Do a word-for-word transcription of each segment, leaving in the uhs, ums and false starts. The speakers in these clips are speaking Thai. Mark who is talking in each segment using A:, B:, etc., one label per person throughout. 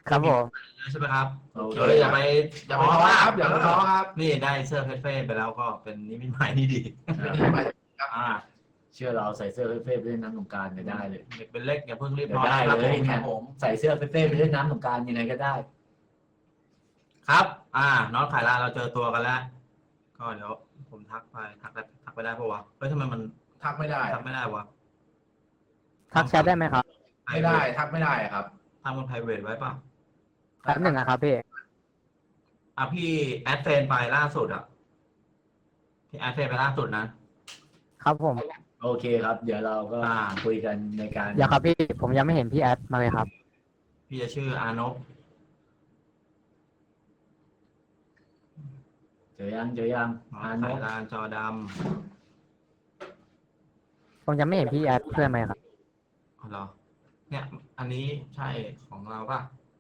A: ครับผม
B: ใช่ไหมครับ
C: โอเค
B: เดี๋ยวอย่าไป
C: อย่าไปท้อครับอย่าไปท้อครับ
B: นี่ได้เสื้อเฟ่ๆไปแล้วก็เป็นนิมิตหมายที่ดีอ่า
C: เชื่อเราใส่เสื้อเฟ่ๆไปเล่นน้ำสงกรานต์จะได้เลย
B: เด็กเป็นเล็กอย่าเพิ่งรีบ
C: เดี๋ย
B: น
C: ว
B: อน
C: ได้
B: นะครับ
C: เลย
B: ผม
C: เนี่ยใส่เสื้อเฟ่ๆไปเล่นน้ำสงกรานต์ยังไงก็ได้
B: ครับ อ่า น้องขายลาเราเจอตัวกันแล้ว ก็เดี๋ยวผมทักไปทักได้ทักไปได้ปะวะเฮ้ยทำไมมัน
C: ทักไม่ได้
B: ทักไม่ได้วะ
A: ทักแชทได้ไหมครับ
C: ไม่ได้ทักไม่ได้ครับ
B: ทำมัน private ไว้ป่ะ
A: แป๊บหนึ่งนะครับพี่
B: อ่ะพี่แอดเฟนไปล่าสุดอ่ะพี่แอดเฟนไปล่าสุดนะครับ
A: ผม
C: โอเคครับ เดี๋ยวเราก็
B: อ่า
C: คุยกันในการ
A: อย่าครับพี่ผมยังไม่เห็นพี่แอดมาเลยครับ
B: พี่จะชื่ออานพ
C: เจอยังเจอยัง
B: น้อง
C: อ่าน
B: ขาย
C: น
B: ลานจอด
A: ผมยังไม่เห็นพี่แอดเพื่อนไหมครับ
B: ำอ๋อเหรอเนี่ย อันนี้ใช่ของเราป่ะ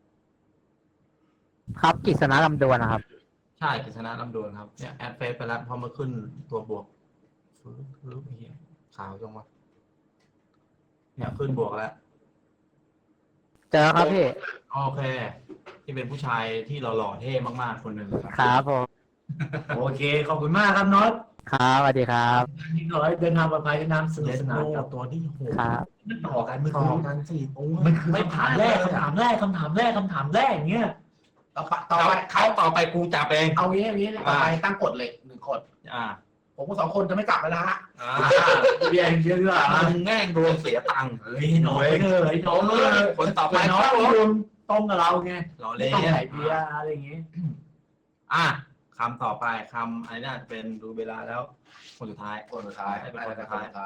A: ครับกิษณะลำดวนนะครับ
B: ใช่กฤษณะลำดวนครับเนี่ยแอดเฟซไปแล้วพอมาขึ้นตัวบวกฟื้นฟื้นเหี้ยขาวจังวะเนี่ยขึ้นบวกแล้ว
A: เจอครับพี่
B: โอเค ที่เป็นผู้ชายที่หล่อๆเท่มากๆคนหนึ่งค
A: ครับ รับผม
C: โอเคขอบคุณมากครับน็อต
A: ครับสวัสดีครับ
C: ที่ขอให้เดินทางปลอดภัยน้ำสนุก
B: เล
C: ส
B: ส
C: นา
B: โน
C: นครับ
B: ตัวที่โห
A: ครับ
C: ต่อกันเมื่อ
B: ต่อ
C: กี้
B: กันสี่ตัว
C: มันคือคำถามแรกคำถามแรกคำถามแรกคำถามแรกอย่างเงี้ย
D: ต่อไปต่อ
B: เขา
D: ไป
B: เขาต่อไปกูจับเอง
D: เอางี้เอางี้ต่อไปตั้งกฎเหล็กหนึ่งกฎ
B: อ่า
D: ผมกับสองคนจะไม่กลับแล้วนะฮะ
B: อ่า
C: เบียร์เยอะด้วยอ่ะ
B: มึงแง่งดวงเสียตังค์
C: เฮ้ยหน่อยเถอะไอ้น้องเออ
B: คนต่อไป
C: ไปน้อง
B: ครับผม
C: รวมตรงกับเราไง
B: เรา
C: ไม่
B: เล่น
C: ต้องใส่เบียร์อะไรอย่างงี้
B: อ่ะคำต่อไปคำอะไรน่าจะเป็นดูเวลาแล้ว คนสุดท้าย
D: คนสุดท้าย
B: ให้เป็น
D: ไป
B: คน
D: กั
B: สุ
D: บ
B: ด
D: คน
B: ท้าย
D: สุดท้าย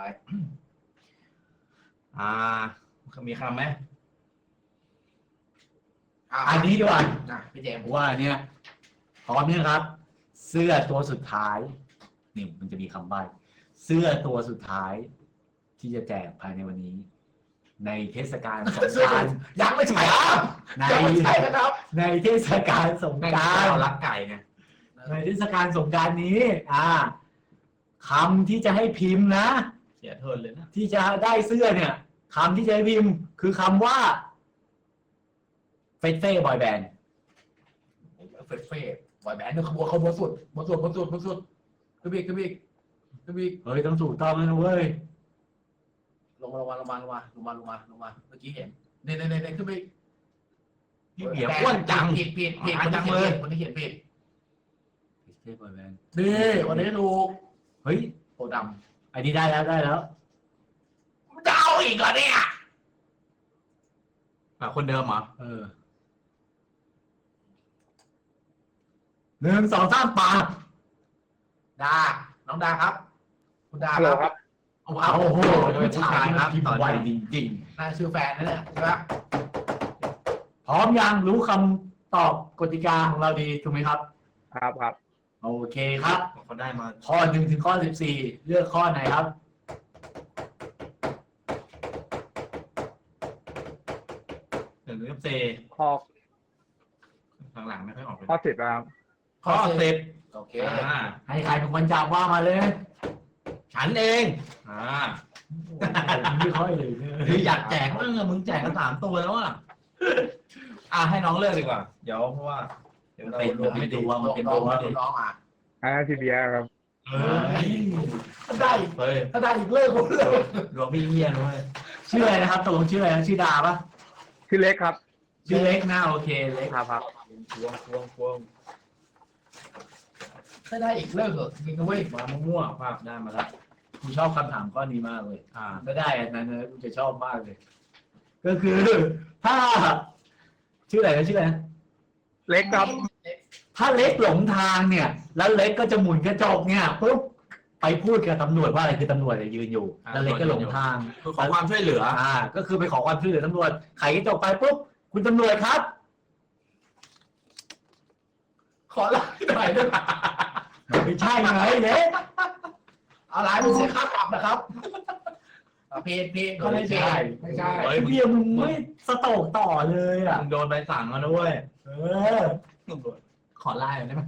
B: อ่า มีคำไหม
D: ะ
C: อันนี้ดีกว่า
D: อ่ะพี่เจมส์
C: ผมว่าเนี่ยพร้อมเนี่ยครับ เสื้อตัวสุดท้ายนี่มันจะมีคำใบ้เสื้อตัวสุดท้าย ที่จะแจกภายในวันนี้ ในเทศกาลสงกรานต์
D: ยังไม่ใช่ครับ
C: ใน
D: ยังไม่ใช่นะครับ
C: ในเทศกาลสง
B: แม่ง
C: กรานต์
B: เรารักไก่ไง
C: ในเทศกาลสงกรานต์นี้ อ่าคำที่จะให้พิมพ์นะ
B: เสียเทินเลยนะ
C: ที่จะได้เสื้อเนี่ยคำที่จะให้พิมพ์ คือคำว่าเฟสเฟ่บอยแบนด์
D: เฟสเฟ่บอยแบนด์เนี่ยขบวนขบวนสุดบนสุดบนสุดบนสุดขึ้นอีกขึ้นอีกขึ้นอีก
C: เฮ้ยต้องถูกต้องนะเว้ย
D: ลงมาลงมาลงมาลงมาลงมาลงมาลงมาเมื่อกี้เห็นเนี่ยเนี่ยเนี่ยขึ้นไป
B: พี่เบียร์อ้วนจัง
D: ผิดผิดผิด
B: หา
D: คน
B: จั
D: ที่
B: ง
D: เขียน
B: เลย
D: ผิดคนที่เขียนผิด
C: เฟสเฟ่บอยแบนด์
D: นี่วันนี้ถูก
C: เฮ้ย
D: โพด
C: อันนี้ได้แล้วได้แล้ว
D: ำจะเอาอีกเหรอเนี่ย
B: แบบคนเดิมเหรอ
C: เออหนึ่งสองสามปาก
D: ดาน้องดาครับ คุณดา
A: ฮัลโหล
D: ค
A: ครั
D: รับบ โอ้โห
C: โอ้โห
B: เป็นผู้ชายครับ
C: พิม
B: ตอน
C: พ์ไว
B: นี้
C: จริง
D: น่าชื่อแฟนนั่นแหละใช่ไหม
C: ๆพร้อมยังรู้คำตอบกติกาของเราดีถูกไหมครับ
A: ครับครับ
C: โอเคครับ
B: เขาได้มา
C: ข้อหนึ่งถึงข้อสิบสี่เลือกข้อไหนครับ
B: หนึ่งเอฟซี
A: ข้อ
B: หลังๆไม่ค่อยออกเลย
A: ข้อสิบครับ
B: ข้อสิบ
D: โอเค
B: อ่า
C: ให้ใครเป็นคนจับว่ามาเลย
B: ฉันเองอ่า
C: ผมไม่ค่อยเลยเนี่ย
B: เฮ้ยอยากแจกมั้งอะมึงแจกกันสามตัวแล้วอ่ะอ่ะให้น้องเลือกดีกว่า เดี๋ยวเพราะว่าเดี๋ยวเรา
C: เป็น
B: รวม
C: เป็
B: ไม่
C: น
B: ดี
C: ตัวมันเป็น
D: น้อ
C: ตั
D: ง
C: ว
D: น้องอ่ะ
A: อ่าพี่เบียร์ครับ
B: เฮ้ย
D: ถ้าได้
B: เฮ้ย
D: ถ้าได้อีกเลิกผมเลย
B: รวมพี่เฮียด้วย
C: ชื่ออะไรนะครับตกลงชื่ออะไรนะชื่อดาปะ
A: ชื่อเล็กครับ
C: ชื่อเล็กนะโอเคเล็ก
A: ครับครับ
B: ควงควงควง
D: ถ้าได้อีกเลิกเหอะจริงนะเว้ย
B: มามั่วๆภาพได้มาแล้ว
C: กูชอบคำถามข้อนี้มากเลย
B: อ่า
C: ถ้าได้อันนั้นนะกูจะชอบมากเลย ก็คือ ถ้า ชื่ออะไรนะชื่ออะไรนะ
A: เล็กครับ
C: ถ้าเล็กหลงทางเนี่ย แล้วเล็กก็จะหมุนกระจกเนี่ยปุ๊บไปพูดกับตำรวจว่าอะไรคือตำรวจเนี่ยยืนอยู่
B: อ่า
C: แล้วเล็กก็หลงทาง
B: คือขอความช่วยเหลือ
C: อ่า ก็คือไปขอความช่วยเหลือตำรวจไขกระจกไปปุ๊บคุณตำรวจครับ
D: ขอไลน์หน่อยได้ไหม
C: ไม่ใช่ไงเล็ก
D: เอาไลน์เป็นเสียค่าปรับนะครับเอาเพจเพจเขาเลยเพจไม่ใช่
B: เฮ้ย
C: เบียร์มึงไม่สโตกต่อเลยอ่ะ
B: มึงโดนใบสั่งแล้วนะเว้ย
C: เออ
B: ตำรวจขอไล่หน่อยได้ไหม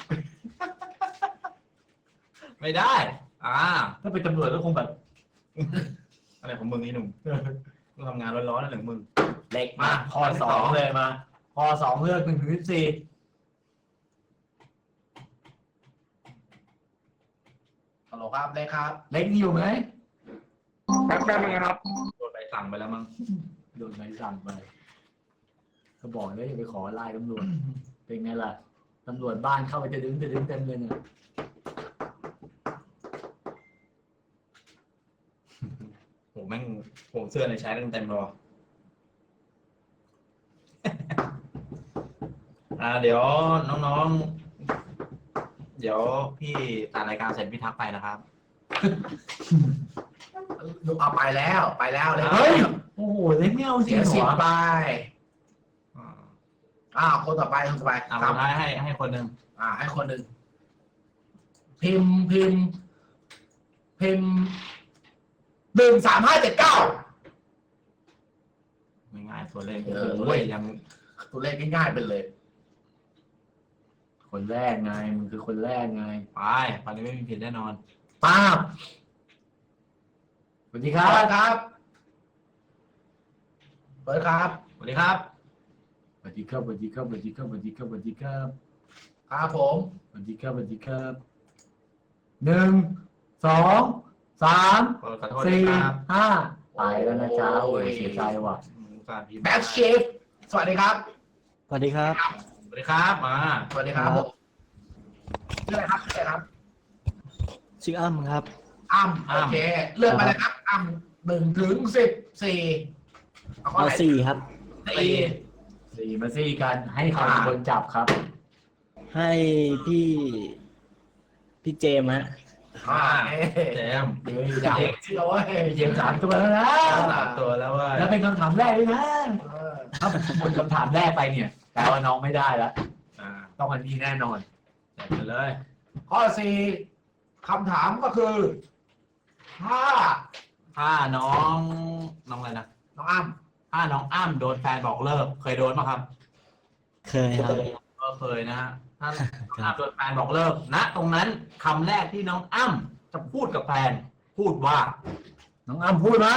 B: ไม่ได้ อ่า
C: ถ้าเป็นตำรวจก็คงแบบ
B: อะไรของมึงนี่หนุ่มมึงทำงานร้อนๆนั่นหนึ่งมึง
C: เล็กมากข้อสองเลยมาข้อสองเลือกหนึ่งถึงสิบสี่
D: ฮัลโหลครับเลขครับ
C: เล็กนี่อยู่ไหม
A: แป๊บแป๊บนึงนะครับ
B: โดนใบสั่งไปแล้วมั้ง
C: โดนใบสั่งไปเขาบอกแล้วอย่าไปขอไล่ตำรวจ เป็นไงล่ะตำรวจบ้านเข้าไปจะดึงจะดึงเต็มเลยเนี่ย
B: โหแม่งผมเสื้อในใช้เต็มเต็มเลย อ่าเดี๋ยวน้องๆ เดี๋ยวพี่ตัดรายการเสร็จพี่ทักไปนะครับ
D: เอาไปแล้วไปแล้วเลย
C: เฮ้ยโอ้โหเล็กไม่เอาจริ
D: เสี
C: ง
D: ย
C: เหร
D: สิบ
C: อ
D: ไป
B: อ่า
D: อ้าวคนต่อไปคนต่อไป
B: เอา
D: ครับ
B: ให้ให้ให้คนหนึ่ง
D: อ่า ให้คนหนึ่งพิมพ์พิมพ์พิมพ์หนึ่งสามห้าเจ็ดเก้า
B: ง่ายๆตัวเลข
D: เออ
B: โอ้ยยัง
D: ตัวเลขง่ายๆไปเลย
C: คนแรกไงมึงคือคนแรกไง
B: ไปตอนนี้ไม่มีผิดแน่นอน
C: ป้าบสวัสดีค
D: ค
C: รั
D: รั
C: บบ
D: ครับเปิดครับ
B: สวัสดีครับ
C: สวัสดีครับสวัสดีครับสวัสดีครับสวัสดีครับสวัสดีครับ
D: ครับผม
C: สวัสดีครับสวัสดีครับหนึ่งสองสาม
B: ขอโทษ
C: สี่
B: นะครับ
C: ห้าไปแล้วนะจ๊ะโอ้ยเสียใจว่ะ
B: การพิมพ์
D: แบ็คเชฟสวัสดีครับ
E: สวัสดีครับ
B: สวัสดีครับมา
D: สวัสดีครับผมชื่ออะไรครับชื่ออะไรครับ
E: ชื่ออ้ำครับ
D: อ้ำโอเคเลือกมาเลยครับอ้ำหนึ่งถึงสิบสี่เอาข้อ
E: เอา
D: ไหน
E: สี่ครับ
D: สี่
C: สี่มาสี่กันให้ใครเป็นคนจับครับ
E: ให้พี่ พี่เจมส์ฮะ
D: อ่า
B: แจม
C: เฮ้ย
D: อยาก
C: เด็ก
D: เชื่อเว้ย
C: เยี่ยมสามตัวแล้วนะ
B: สามตัวแล้วว่า
C: แล้วเป็นคำถามแรกเลยนะ
D: เออ
C: ถ้าหมดคำถามแรกไปเนี่ยแปลว่าน้องไม่ได้แล้ว
B: อ่า
C: ต้องอันนี้แน่นอน
B: แจกไปเลย
D: ข้อสี่คำถามก็คือ ถ้า
B: ถ้าน้องน้องอะไรนะ
D: น้องอ้ำ
B: ถ้าน้องอ้ำโดนแฟนบอกเลิกเคยโดนไหมครับ
E: เคยครับ
B: ก็เคยนะฮะถ้าน้องอ้ำโดนแฟนบอกเลิกณตรงนั้นคำแรกที่น้องอ้ำจะพูดกับแฟนพูดว่า
C: น้องอ้ำพูดมา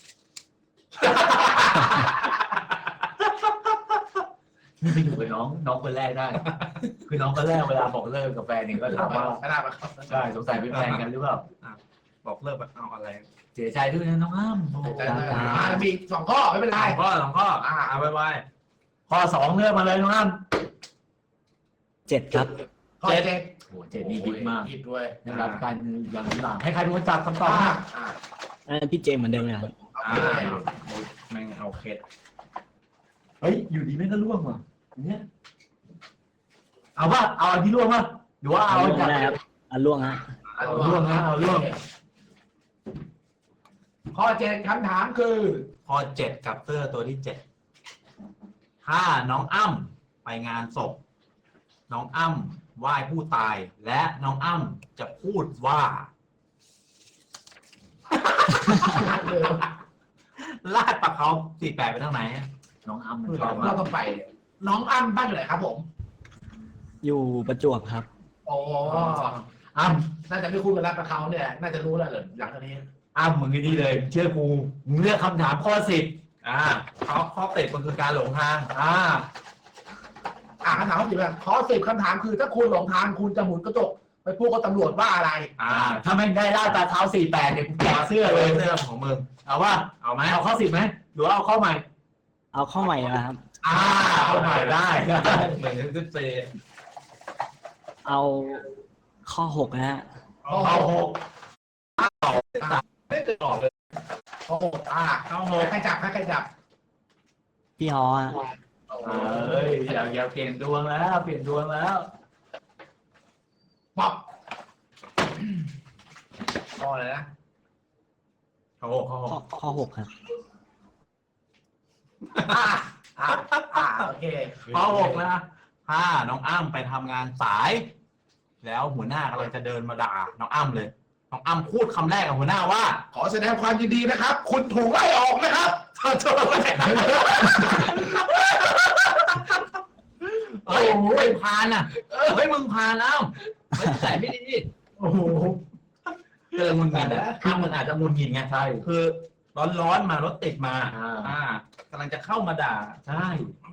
C: นี่ไปอยู่กับน้องน้องคนแรกได้ คือน้องคนแรกเวลาบอกเลิกกับแฟนเนี่ยก็ถามว่า
D: ไม่ได้ไหมครับ
C: ใช่สงสัยเป็นแฟนกันหรือเปล่า
B: บอกเลิกแบบเอาอะไร
C: เสียใจด้วยนะน้องอ้ำโอ้โห
D: แต่อ่ามีสองข้อไม่เป็นไร
B: สองข้อสองข้ออ่าเอาไว้ไว้
C: ข้อสองเลือกมาเลยน้องอ้ำ
E: เจ็ดครับ
D: ข้อเจ็ด
C: โอ้โหเจ็ดนี่บิ๊กมาก
D: ผิดด้วย
C: ได้รับการอย่างหลังให้ใครเป็นคนจับคำตอบ
D: อ่า
C: นะ
D: อ่า
E: อันนั้นพี่เจมส์เหมือนเดิมนะครับ
D: เอา
B: อ่า
D: ไปเลย
B: แม่งเอาเคส
C: เฮ้ยอยู่ดีไม่ก็ร่วงว่ะอย่างเนี้ยเอาป่ะเอาอันที่ร่วงป่ะหรือว่าเอา
E: เอา
C: อัน
E: ล่วง
C: จาก
E: ได้ครับเอาล่วงฮะ
D: เอา
C: เอาร่วงนะเอาร่วง
D: ข้อเจ็ดคำถามคือ
B: ข้อเจ็ดกับเสื้อตัวที่เจ็ดถ้าน้องอ้ำไปงานศพ น้องอ้ำไหว้ผู้ตาย และน้องอ้ำจะพูดว่า ลาดปลาเขาสี่แปดไปทางไหน
C: น้องอ้ำมันช
D: เรา
C: อบมา
D: เรา
C: ก
D: ต้องไป น้องอ้ำบ้านอยู่ไหนครับผม
E: อยู่ประจวบครับ
D: โอ้
C: อ้ำ
D: น่าจะไม่คุ้นกับรักกับเขาเนี่ย น่าจะรู้แล้วเหรอหลังจากนี้
C: อ้ำมึงไอ้นี่เลยเชื่อกูมึงเลือกคำถามข้อสิบ
B: อ่าเขาข้อติดมันคือการหลงทาง
C: อ่า
D: อ่าคำถามข้อสิบแบบข้อสิบคำถามคือถ้าคุณหลงทางคุณจะหมุนกระจกไปพูดกับตำรวจว่าอะไร
B: อ่า
C: อ่าถ้าไม่ได้ล่าตาเท้าสี่แปดเนี่ยกูแกะเสื้อเลย
B: เสื้อของมึง
C: เอาว่า
B: เอาไหม
C: เอาข้อสิบไหมหรือว่าเอาข้อใหม่
E: เอาเข้าใหม่นะครับ
C: อ่าเอาใหม่ได้ได้
B: หนึ่งถึงสิบสี่
E: เอาข้อหกนะฮะ
C: เอาหก
B: ไม่เคยออกเลย
D: โอ้โหอ่า
B: เข้าหก
D: ใครจับใครจับ
E: พี่ฮอฮะ
C: เอ้ยอย่าอย่าเปลี่ยนดวงแล้วเปลี่ยนดวงแล้ว
D: ป๊อปข้ออะไรนะ
B: เข้าหกเข้าห
E: ข้อก ข้อหกครับ
D: อ่าอ่าอ่าโอเค
B: ข้อหกนะถ้าน้องอ้ำไปทำงานสาย แล้วหัวหน้ากำลังจะเดินมาด่าน้องอ้ำเลย น้องอ้ำพูดคำแรกกับหัวหน้าว่า
D: ขอแสดงความยินดีนะครับ คุณถูกไล่ออกนะครับเธอเธอ
B: เฮ้ยไม่พานอ่ะเฮ้ยมึงพานแล้วไม่ใส่ไม่ดี
C: โอ้โห
B: เจอมึงกินอ่ะคือมันอาจจะมุนกินไง
C: ใช่
B: คือร้อนๆมารถติดมา
C: อ่า
B: อ่ากำลังจะเข้ามาด่า
C: ใช่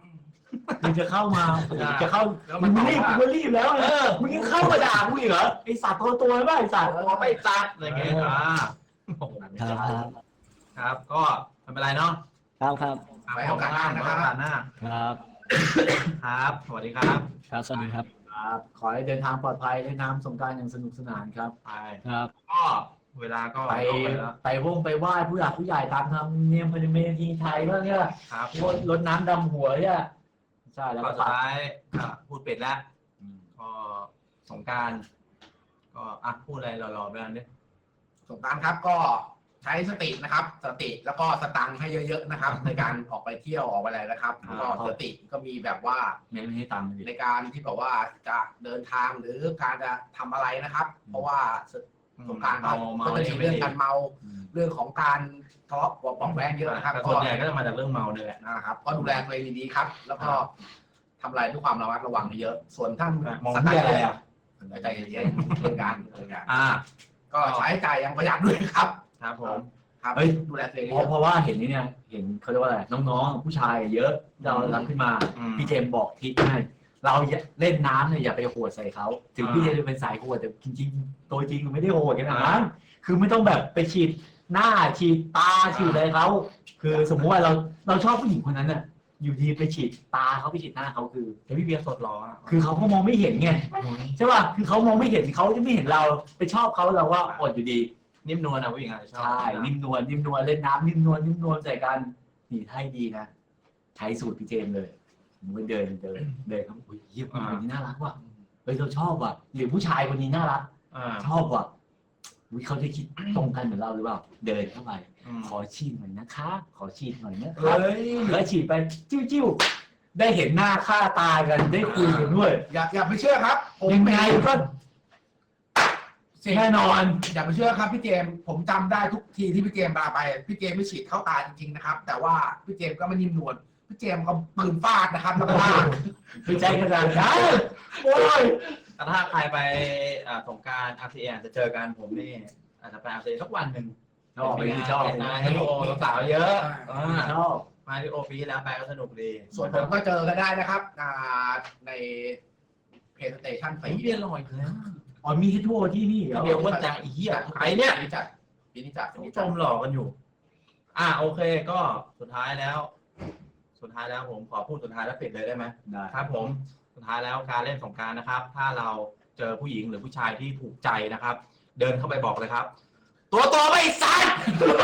C: มึงจะเข้ามาจะเข้า
D: แล้ว
C: มึ
D: มัน
C: ง
D: ตอบ
C: รีบ
D: ว่า
C: มึงรีบแล้วเออมึงยังเข้ามาด่ากูอีกเหรอไอสัตว์ตัวตัวบ้าไอสัตว์
B: พอไม่จัดอะไรเงี้ยอ่าโอ้โห
E: ครับครับ
B: ครับ ก็ไม่เป็นไรเนาะ
E: ครับครับ
D: ไว้โอกาสหน้านะครับ
B: ไว้โอกาสหน้า
E: ครับ
B: ครับ สวัสดีครับ
E: ครับสวัสดีครับ
C: ครับขอให้เดินทางปลอดภัยเล่นน้ำสงกรานต์อย่างสนุกสนานครับ
B: ไป
E: ครับ
B: ก็เวลาก็
C: ไป
B: ล่วงไปแล้ว
C: ไปวงไปไหว้ผู้หลักผู้ใหญ่ตามธรรมเนียมประเพณีไทยบ้างเนี่ย
B: ครับ
C: รดรดน้ำดำหัวเนี่ยใช่แล้ว
B: ก็
C: ก็
B: สุดท้ายอ่ะพูดเป็ดแล้ว
C: อืม
B: ก็สงกรารก็อ่ะพูดอะไรรอๆไปอันนี้
D: สงกรานต์ครับก็ใช้สตินะครับ สติแล้วก็สตังค์ให้เยอะๆนะครับ ในการออกไปเที่ยวออกไปอะไรนะครับก็สติก็มีแบบว่า
C: ไม่ไม่ให้ตังค์เลย
D: ในการที่แบบว่าจะเดินทางหรือการจะทำอะไรนะครับ เพราะว่าสงกรานต์
B: เมา
D: ก็
B: เมา
D: ก็จะมีเรื่องการเมา
C: อืม
D: เรื่องของการทะเลาะเบาะเบาะแว้งเยอะนะครับ
B: แต่
D: ก็
B: ส่วนใหญ่ก็จะมาจากเรื่องเมาเนี่ยแหละ
D: นะครับก็ดูแลตัวเองดีๆครับ แล้วก็ทำอะไรด้วยความระมัดระวังเยอะส่วนท่าน
B: มอง
D: ส
B: ที่
D: ตา
B: อะไร
D: ร์
B: อ่ะ
D: ใจเย็นๆเรื่องการเรื่องการ
B: อ่า
D: ก็ใช้จ่ายอยังประหยัดด้วยครับ
B: ครับผม
D: ครับ
C: เฮ้ย
D: ดูแลตัวเอง
C: เพ
D: เย
C: ราะ
D: อะ
C: เพราะว่าเห็นนี่เนี่ยเห็นเขาเรียกว่าอะไรน้องๆผู้ชายเยอะเรารับขึ้นมา
B: อืม
C: พี่เจมส์บอกทิศให้เราอย่าเล่นน้ำเนี่ยอย่าไปโหดใส่เขาถึง
B: อ่า
C: พี่เจมส์จะเป็นสายโหดแต่จริงๆตัวจริงมันไม่ได้โหดขนาดนั้นคือไม่ต้องแบบไปฉีดหน้าฉีดตาฉีดอะไรเขาคือสมมติว่าเราเราชอบผู้หญิงคนนั้นน่ะอยู่ดีไปฉีดตาเขาไปฉีดหน้าเขาคือ
B: แต่พี่เบียร์สดรออ่ะ
C: คือเขาก็มองไม่เห็นไงใช่ป่ะคือเขามองไม่เห็นเขาจะไม่เห็นเราไปชอบเขาเราก็อดอยู่ดี
B: นิ่มนวลนะผู้หญิงอาจจะชอบ
C: ใช่นิ่มนวลนิ่มนวลเล่นน้ำนิ่มนวลนิ่มนวลใส่กันนี่ให้ดีนะใช้สูตรพี่เจมส์เลยผมไปเดินเดินเดินเขาโอ้ยเยี่ยมคนนี้น่ารักว่ะเฮ้ยเราชอบว่ะหรือผู้ชายคนนี้น่ารัก
B: อ่า
C: ชอบว่ะอุ๊ยเขาจะคิดตรงกันเหมือนเราหรือเปล่าเดินเข้าไป
B: อืม
C: ขอฉีดหน่อยนะคะ ขอฉีดหน่อยนะค
B: เฮ้
C: รับ
B: ย
C: แล้วฉีดไปจิ้วจิ้วได้เห็นหน้าค่าตากันได้คุยกันด้วย
D: อย่าอย่าไปเชื่อครับผม
C: ยังไงก็
D: สิ่ง
C: แน่นอน
D: อย่าไปเชื่อครับพี่เจมส์ผมจำได้ทุกทีที่พี่เจมส์มาไปพี่เจมส์ไม่ฉีดเข้าตาจริงๆนะครับ แต่ว่าพี่เจมส์ก็ไม่นิ่มนวลพี่เจมส์ก็ปืนฟาดนะครับแล้วก็ลาก
C: ไปใจกระดานได้โอ้ย
B: แต่ถ้าใครไปอ่าสงกราร อาร์ ที เอ จะเจอกันผมนี่อาจจะไป อาร์ ที เอ สักวันหนึ่ง
C: ชอบไปชอบ
B: นายให้โอสาวๆเยอะอ่า
C: ชอบ
B: มาที่โอปีแล้วไปก็สนุกดี
D: ส่วนผมก็เจอกันได้นะครับอ่าในเพจสเตชัน
B: ไอ้
D: สี่
B: เบียร์ลอยแล้ว
C: อ๋อมีให้ทั่วที่นี่เหรอ
B: เบียร์ว่าจะไอ้เหี้ยใครเนี่ย
D: ปีนี้จัดปีนี้จัดปี
B: ผู้
D: นี้
B: ช
D: จัด
B: มหลอกกันอยู่ อ่าโอเคก็สุดท้ายแล้ว สุดท้ายแล้วผมขอพูดสุดท้ายแล้วปิดเลยได้ไหม
C: ได้
B: ครับผมสุดท้ายแล้วการเล่นสงกรานต์นะครับ ถ้าเราเจอผู้หญิงหรือผู้ชายที่ถูกใจนะครับ เดินเข้าไปบอกเลยครับ ตัวโตไม่สัตว์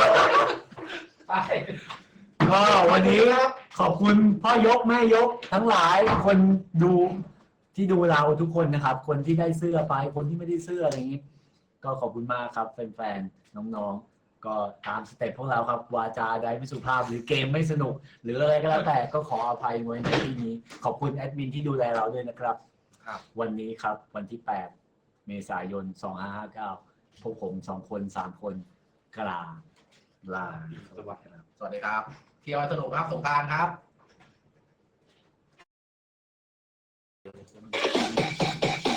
C: ก็วันนี้ขอบคุณพ่อยกแม่ยกทั้งหลายคนดูที่ดูเราทุกคนนะครับ คนที่ได้เสื้อไปคนที่ไม่ได้เสื้ออะไรอย่างนี้ ก็ขอบคุณมากครับแฟนๆน้องๆ ก็ตามสเต็ปพวกเราครับวาจาใดไม่สุภาพหรือเกมไม่สนุก หรืออะไรก็แล้วแต่ก็ขออภัยไว้ในที่นี้ ขอบคุณแอดมินที่ดูแลเราด้วยนะครับ
D: ครับ
C: วันนี้ครับวันที่แปดเมษายนสองห้าห้าเก้าพวกผมสองคนสามคนกลาลา
D: สวัสดีครับเที่ยวสนุกครับสงกรานต์ครับ
C: เ